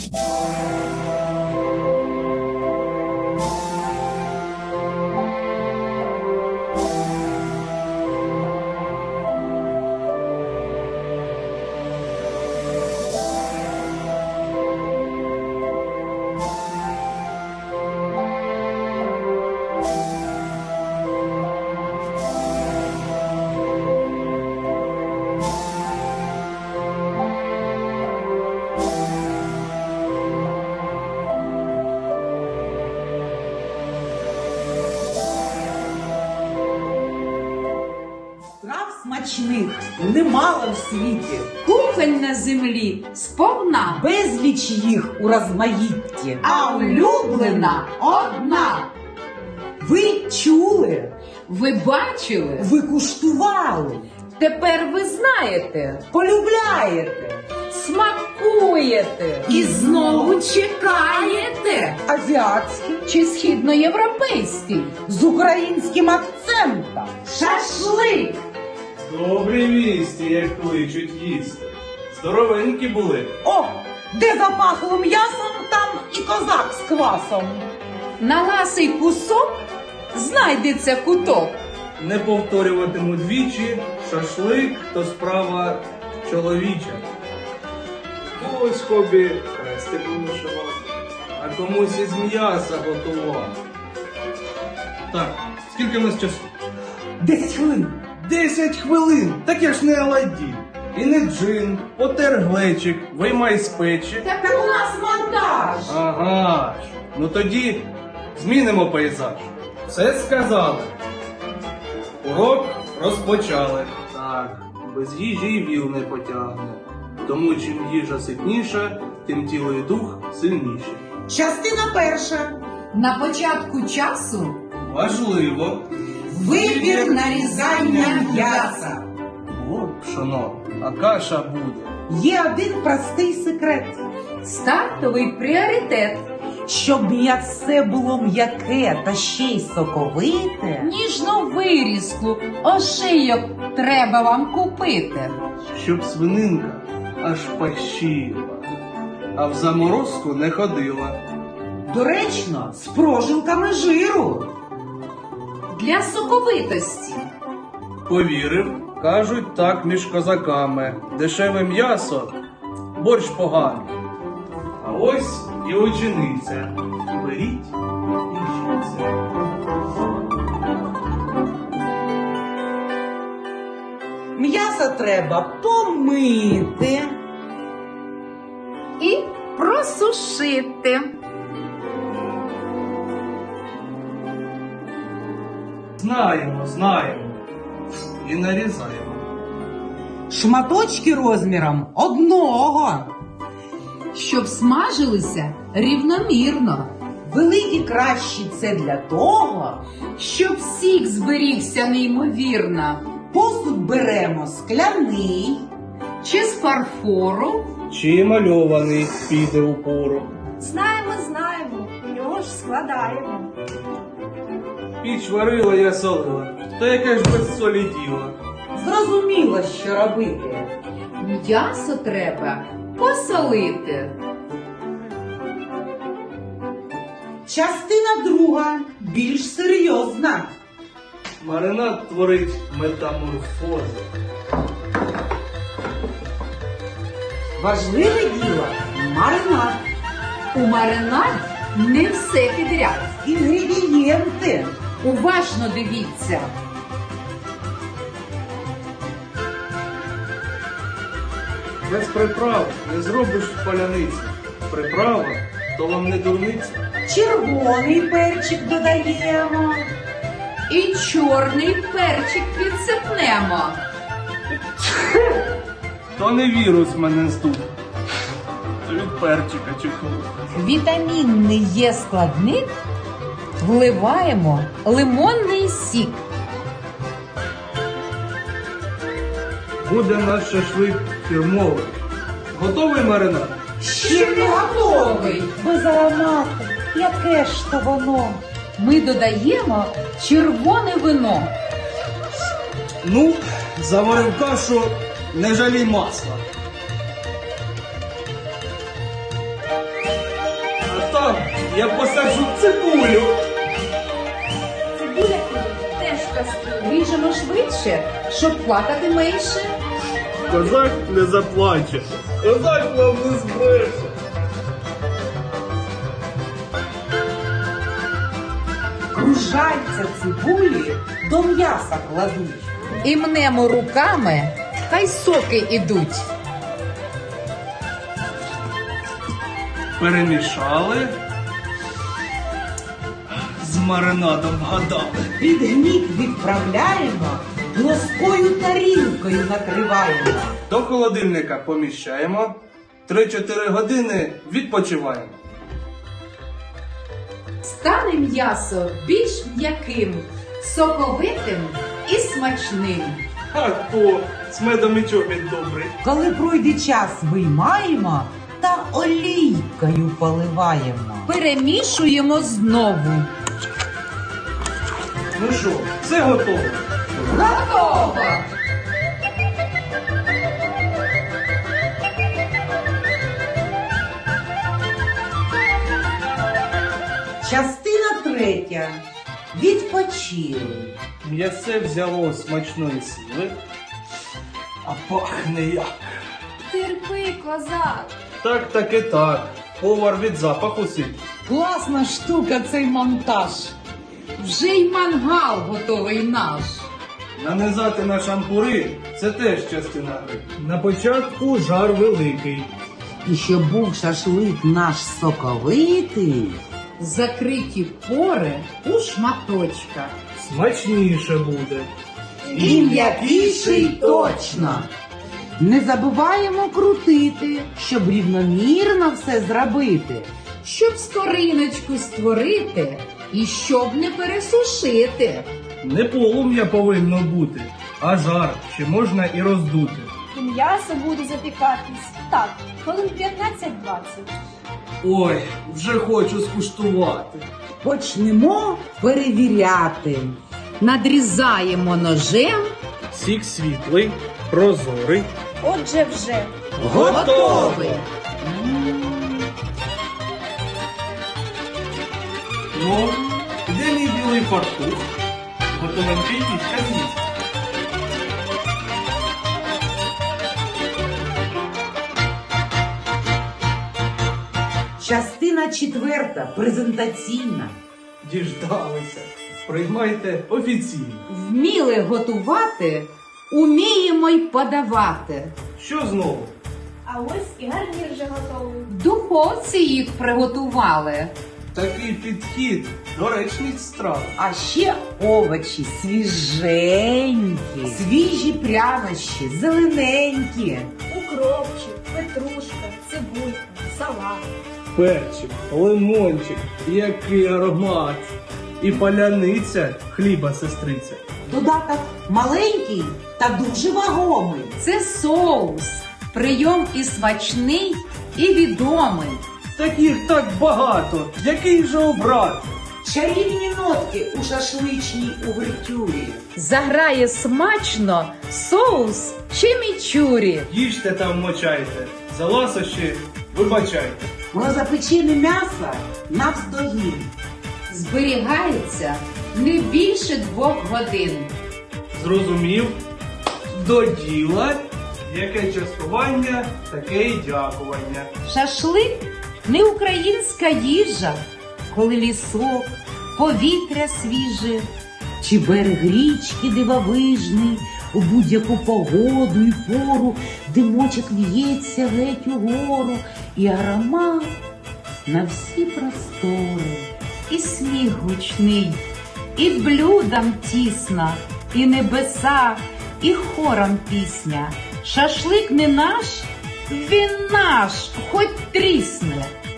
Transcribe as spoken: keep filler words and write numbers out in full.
Смачних немало в світі, Кухонь на землі сповна, безліч їх у розмаїтті, а улюблена одна. Ви чули, Ви бачили, ви куштували, тепер ви знаєте, полюбляєте, смакуєте і знову чекаєте. азіатські Чи східноєвропейський з українським акцентом. шашлик. Добрі вісті, як кличуть їсти. Здоровенькі були. О, де запахло м'ясом, там і козак з квасом. На ласий кусок знайдеться куток. Не повторюватиму двічі, шашлик то справа чоловіча. Ось хобі хрестиком вишивати, а комусь із м'яса готувати. Так, скільки в нас часу? Десять хвилин. Десять хвилин! Так я ж не Аладдін. І не джин, потер глечик, виймай з печі. Так у нас монтаж. Ага ж. Ну тоді змінимо пейзаж. Все сказали. Урок розпочали. Так, без їжі й віл не потягне. Тому чим їжа ситніша, тим тіло і дух сильніше. Частина перша. На початку часу Важливо. Вибір нарізання м'яса. От пшоно, а каша буде. Є один простий секрет. стартовий пріоритет. Щоб м'ясе було м'яке та ще й соковите, Ніжну вирізку, ошийок треба вам купити. Щоб свининка аж пащила, а в заморозку не ходила. доречно, з прожилками жиру. Для соковитості. Повірив, кажуть так між козаками. Дешеве м'ясо, борщ поганий. А ось і учениця. Беріть і вчіться. М'ясо треба помити. І просушити. Знаємо, знаємо. І нарізаємо. Шматочки розміром одного. Щоб смажилися рівномірно. Великі кращі це для того. Щоб сік зберігся неймовірно. Посуд беремо скляний. Чи з фарфору. Чи мальований піде у пору. Знаємо, знаємо, його ж складаємо. Піч варила, я солила. Та яке ж без солі діло. Зрозуміло, що робити. М'ясо треба посолити. Частина друга, більш серйозна. Маринад творить метаморфози. Важливе діло – маринад. У маринад не все підряд. Інгредієнти. Уважно дивіться. Без приправ не зробиш паляниці. Приправа то вам не дурниця. Червоний перчик додаємо. І чорний перчик підсипнемо. То не вірус мене здув. Це від перчика чихнув. Вітамінний є складник. Вливаємо лимонний сік. Буде наш шашлик фірмовий. Готовий маринад? Ще не готовий. Без аромату. Яке ж то воно? Ми додаємо червоне вино. Ну, заварив кашу, не жалій масла. Я посаджу цибулю. Цибуля теж кастрюля. Ріжемо швидше, щоб плакати менше. Козак не заплаче. Козак вам не збреше. Кружальця цибулі до м'яса кладуть. І мнемо руками, хай соки ідуть. Перемішали. З маринадом вгадали. Під гнік відправляємо, плоскою тарілкою накриваємо. До холодильника поміщаємо. три-чотири години відпочиваємо. Стане м'ясо більш м'яким, соковитим і смачним. А то з медом і чобіт добрий. Коли пройде час, виймаємо та олійкою поливаємо. Перемішуємо знову. Ну що, все готово? Готово! Частина третя. Відпочили. М'ясе взяло смачної сили, а пахне як. Терпи, козак. Так, так і так. Повар від запаху сидить. Класна штука цей монтаж. Вже й мангал готовий наш. Нанизати на шампури – це теж частина гри. На початку жар великий. І щоб був шашлик наш соковитий, Закриті пори у шматочках. Смачніше буде. і м'якіший точно. Не забуваємо крутити, щоб рівномірно все зробити. Щоб скориночку створити і щоб не пересушити. Не полум'я повинно бути, а жар ще можна і роздути. І м'ясо буде запікатись. Так, хвилин п'ятнадцять-двадцять. Ой, вже хочу скуштувати. Почнемо перевіряти. Надрізаємо ножем. Сік світлий, прозорий. Отже вже. Готовий. Ну, де мій білий фартух? Готовенький пічка з'їсть. Частина четверта, презентаційна. Діждалися. Приймайте офіційно. Вміли готувати, уміємо й подавати. Що знову? А ось і гарнір вже готовий. В духовці їх приготували. Такий підхід доречність страв. А ще овочі свіженькі, свіжі прянощі, зелененькі. Укропчик, петрушка, цибулька, салат. Перчик, лимончик, який аромат. І паляниця хліба сестриця. Додаток маленький та дуже вагомий. Це соус. Прийом і смачний, і відомий. Таких так багато. Який же обрати? Чарівні нотки у шашличній увертюрі. Заграє смачно соус чимічурі. Їжте там мочайте. За ласощі вибачайте. Про запечене м'ясо навздогін. Зберігається не більше двох годин. Зрозумів? До діла. Яке частування, таке й дякування. Шашлик не українська їжа, коли лісок, повітря свіже. Чи берег річки дивовижний, у будь-яку погоду і пору, димочок в'ється геть угору, і аромат на всі простори. І сміх гучний, і блюдам тісна, і небеса, і хором пісня. Шашлик не наш, він наш, хоч трісне.